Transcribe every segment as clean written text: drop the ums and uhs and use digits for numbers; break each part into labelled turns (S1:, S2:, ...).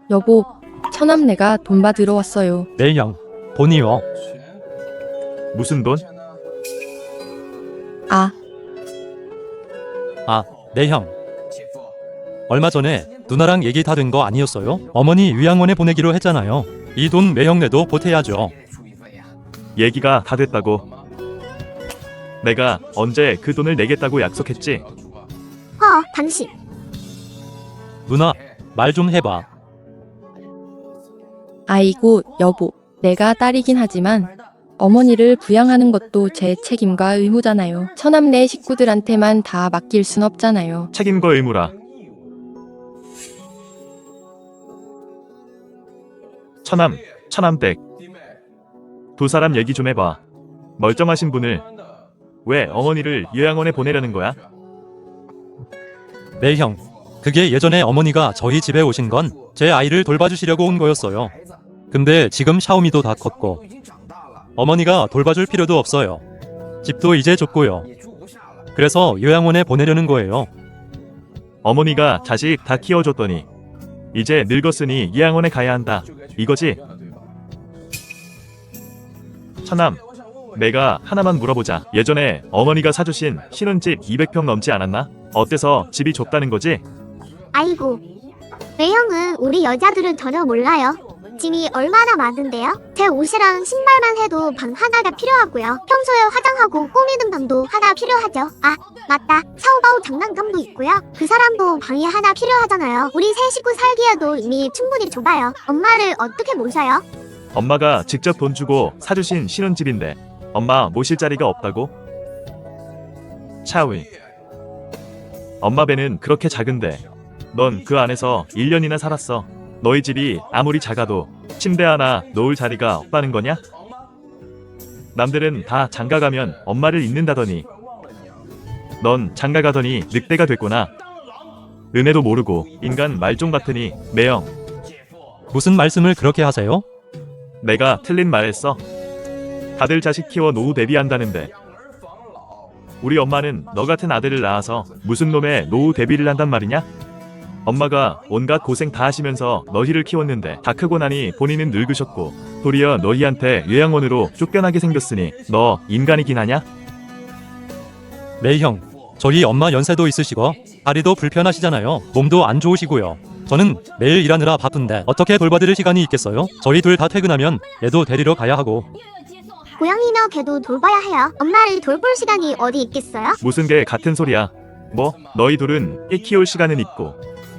S1: 여보, 처남네가 돈 받으러 왔어요.
S2: 매형, 돈이요.
S3: 무슨 돈?
S1: 아,
S2: 매형. 얼마 전에 누나랑 얘기 다 된 거 아니었어요? 어머니 요양원에 보내기로 했잖아요. 이 돈 매형네도 보태야죠.
S3: 얘기가 다 됐다고. 내가 언제 그 돈을 내겠다고 약속했지?
S4: 당신.
S2: 누나, 말 좀 해봐.
S1: 아이고, 여보, 내가 딸이긴 하지만 어머니를 부양하는 것도 제 책임과 의무잖아요. 처남네 식구들한테만 다 맡길 순 없잖아요.
S3: 책임과 의무라. 처남댁. 두 사람 얘기 좀 해봐. 멀쩡하신 분을 왜 어머니를 요양원에 보내려는 거야?
S2: 매형, 그게 예전에 어머니가 저희 집에 오신 건 제 아이를 돌봐주시려고 온 거였어요. 근데 지금 샤오미도 다 컸고 어머니가 돌봐줄 필요도 없어요. 집도 이제 좁고요. 그래서 요양원에 보내려는 거예요.
S3: 어머니가 자식 다 키워줬더니 이제 늙었으니 요양원에 가야 한다. 이거지? 처남, 내가 하나만 물어보자. 예전에 어머니가 사주신 신혼집 200평 넘지 않았나? 어때서 집이 좁다는 거지?
S4: 아이고. 매형은 우리 여자들은 전혀 몰라요. 짐이 얼마나 많은데요? 제 옷이랑 신발만 해도 방 하나가 필요하고요. 평소에 화장하고 꾸미는 방도 하나 필요하죠. 아, 맞다. 샤오바오 장난감도 있고요. 그 사람도 방이 하나 필요하잖아요. 우리 세 식구 살기에도 이미 충분히 좁아요. 엄마를 어떻게 모셔요?
S3: 엄마가 직접 돈 주고 사주신 신혼집인데 엄마 모실 자리가 없다고? 샤오이, 엄마 배는 그렇게 작은데 넌 그 안에서 1년이나 살았어. 너희 집이 아무리 작아도 침대 하나 놓을 자리가 없다는 거냐? 남들은 다 장가가면 엄마를 잊는다더니 넌 장가가더니 늑대가 됐구나. 은혜도 모르고 인간 말종 같으니. 매형,
S2: 무슨 말씀을 그렇게 하세요?
S3: 내가 틀린 말 했어? 다들 자식 키워 노후 대비한다는데 우리 엄마는 너 같은 아들을 낳아서 무슨 놈의 노후 대비를 한단 말이냐? 엄마가 온갖 고생 다 하시면서 너희를 키웠는데 다 크고 나니 본인은 늙으셨고 도리어 너희한테 요양원으로 쫓겨나게 생겼으니 너 인간이긴 하냐?
S2: 매형, 저희 엄마 연세도 있으시고 다리도 불편하시잖아요. 몸도 안 좋으시고요. 저는 매일 일하느라 바쁜데 어떻게 돌봐드릴 시간이 있겠어요? 저희 둘 다 퇴근하면 애도 데리러 가야 하고.
S4: 고양이며 개도 돌봐야 해요. 엄마를 돌볼 시간이 어디 있겠어요?
S3: 무슨 개 같은 소리야. 뭐 너희 둘은 애 키울 시간은 있고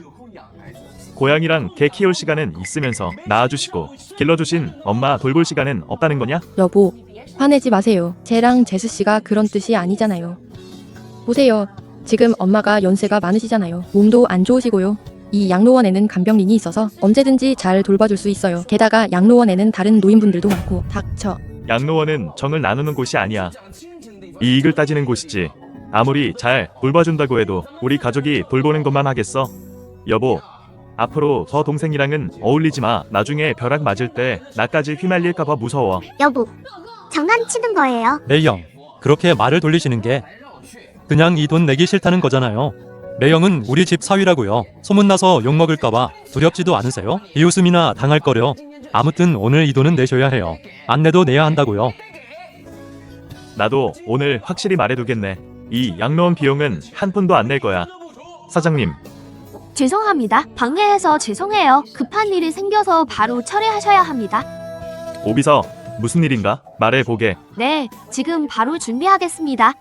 S3: 고양이랑 개 키울 시간은 있으면서 낳아주시고 길러주신 엄마 돌볼 시간은 없다는 거냐?
S1: 여보, 화내지 마세요. 쟤랑 제수씨가 그런 뜻이 아니잖아요. 보세요. 지금 엄마가 연세가 많으시잖아요. 몸도 안 좋으시고요. 이 양로원에는 간병인이 있어서 언제든지 잘 돌봐줄 수 있어요. 게다가 양로원에는 다른 노인분들도 많고. 닥쳐.
S3: 양로원은 정을 나누는 곳이 아니야. 이익을 따지는 곳이지. 아무리 잘 돌봐준다고 해도 우리 가족이 돌보는 것만 하겠어? 여보, 앞으로 저 동생이랑은 어울리지 마. 나중에 벼락 맞을 때 나까지 휘말릴까봐 무서워.
S4: 여보, 장난치는 거예요.
S2: 매형, 그렇게 말을 돌리시는 게 그냥 이 돈 내기 싫다는 거잖아요. 매형은 우리 집 사위라고요. 소문나서 욕먹을까봐 두렵지도 않으세요? 비웃음이나 당할 거려. 아무튼 오늘 이 돈은 내셔야 해요. 안 내도 내야 한다고요.
S3: 나도 오늘 확실히 말해두겠네. 이 양로원 비용은 한 푼도 안 낼 거야. 사장님,
S5: 죄송합니다. 방해해서 죄송해요. 급한 일이 생겨서 바로 처리하셔야 합니다.
S3: 오비서 무슨 일인가? 말해보게.
S5: 네, 지금 바로 준비하겠습니다.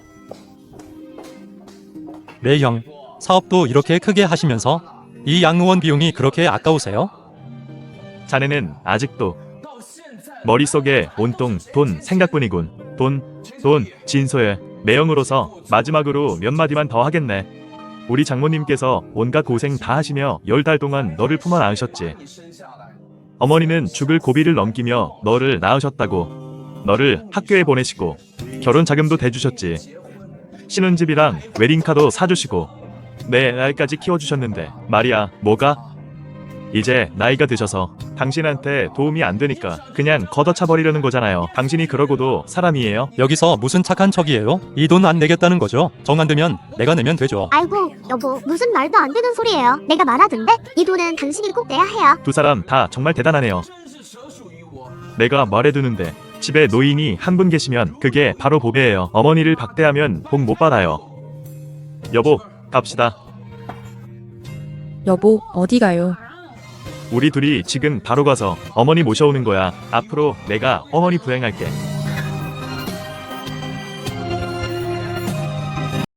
S2: 매형, 사업도 이렇게 크게 하시면서 이 양로원 비용이 그렇게 아까우세요?
S3: 자네는 아직도 머릿속에 온통 돈 생각뿐이군. 돈, 진소의 매형으로서 마지막으로 몇 마디만 더 하겠네. 우리 장모님께서 온갖 고생 다 하시며 10달 동안 너를 품어 안으셨지. 어머니는 죽을 고비를 넘기며 너를 낳으셨다고. 너를 학교에 보내시고 결혼 자금도 대주셨지. 신혼집이랑 웨딩카도 사주시고 내 날까지 키워주셨는데 말이야, 뭐가? 이제 나이가 드셔서 당신한테 도움이 안 되니까 그냥 걷어차 버리려는 거잖아요. 당신이 그러고도 사람이에요?
S2: 여기서 무슨 착한 척이에요? 이 돈 안 내겠다는 거죠? 정 안 되면 내가 내면 되죠.
S4: 아이고 여보 무슨 말도 안 되는 소리예요. 내가 말하던데 이 돈은 당신이 꼭 내야 해요.
S3: 두 사람 다 정말 대단하네요. 내가 말해두는데 집에 노인이 한 분 계시면 그게 바로 보배예요. 어머니를 박대하면 복 못 받아요. 여보, 갑시다.
S1: 여보, 어디 가요?
S3: 우리 둘이 지금 바로 가서 어머니 모셔오는 거야. 앞으로 내가 어머니 부양할게.